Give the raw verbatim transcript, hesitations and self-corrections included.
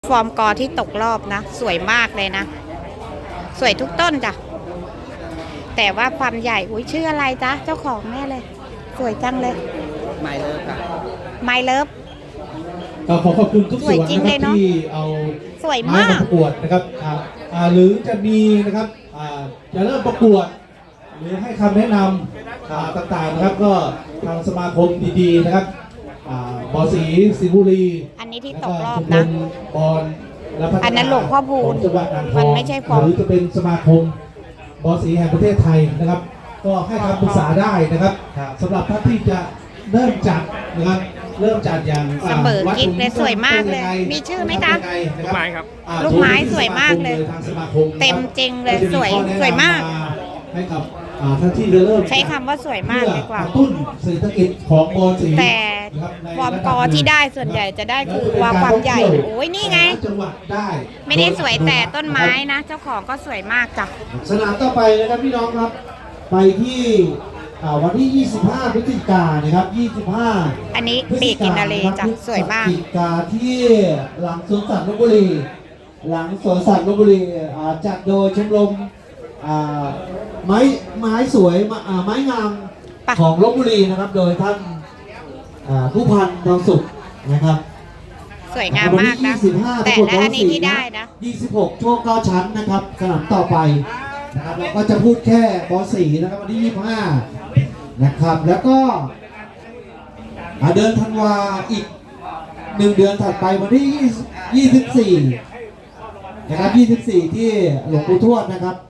ฟอร์มกอที่ตกรอบนะ สวยมากเลยนะ สวยทุกต้นจ้ะแต่ว่าความใหญ่อุ้ยชื่ออะไรจ๊ะเจ้าของแม่เลย สวยจังเลยไมเลิฟค่ะไมเลิฟก็ขอขอบคุณทุกสส่วยวนจริงนะคเลรัยบเนอะที่เอาสวยไม้มากมาประกวดนะครับอ่าอ่าหรือจะมีนะครับอ่าจะเริ่มประกวด หรือให้คำแนะนำอ่าต่างๆนะครับก็ทางสมาคมดีๆนะครับอ่าบอสีสิงห์บุรีอันนี้ที่แล้วตก็กรอบชมรนะมบอลและพัฒนาอันนั้นหลวงพ่อพูนของจังหวัดอ่างทมัอน งไม่ใช่ฟอร์มหรือจะเป็นสมาคมบอสีแห่งประเทศไทยนะครับ ก็ให้คำปรึกษาได้นะครับสำหรับท่านที่จะเริ่มจัดนะครับเริ่มจัดอย่างเสมอกิ๊กเลยสวยมากเลย มีชื่อไหมจ๊ะลูกไม้ครับลูกไม้สวยมากเลยทางสมาคมเต็มจริงเลยสวยก็จะข้อแนะนำสวยมากให้กับอ่าท่านที่จะเริ่มใช้คำว่าสวยมากดีกว่าเพื่อกระตุ้นเศรษฐกิจของบอลสีแต่นะครับในฟอร์มกอที่ได้ส่วนใหญ่จะได้คือว่าความใหญ่โอ้ยนี่ไงจังหวัดได้ไม่ได้สวยแต่ต้นไม้นะ เจ้าของก็สวยมากจ้ะสนามต่อไปนะครับพี่น้องครับ ไปที่อ่าวันที่ ยี่สิบห้า พฤศจิกายนนะครับ ยี่สิบห้าอันนี้ปีกกินนารีจ้ะสวยมากพฤศจิกาที่หลังสวนสัตว์ลพบุรี หลังสวนสัตว์ลพบุรีอ่าจัดโดยชมรมอ่าไม้ไม้สวยมาอ่าไม้งามไปของลพบุรีนะครับ โดยท่านอ่าผู้พันทองสุขนะครับสวยงามมากนะ แต่และอันนี้ที่ได้นะยี่สิบหกช่วงเก้าชั้นนะครับสนามต่อไปนะครับเราก็จะพูดแค่บอสี่นะครับวันที่ยี่สิบห้านะครับแล้วก็อ่าเดือนธันวาอีกหนึ่งเดือนถัดไปวันที่ยี่สิบสี่นะครับยี่สิบสี่ที่หลวงปู่ทวดนะครับ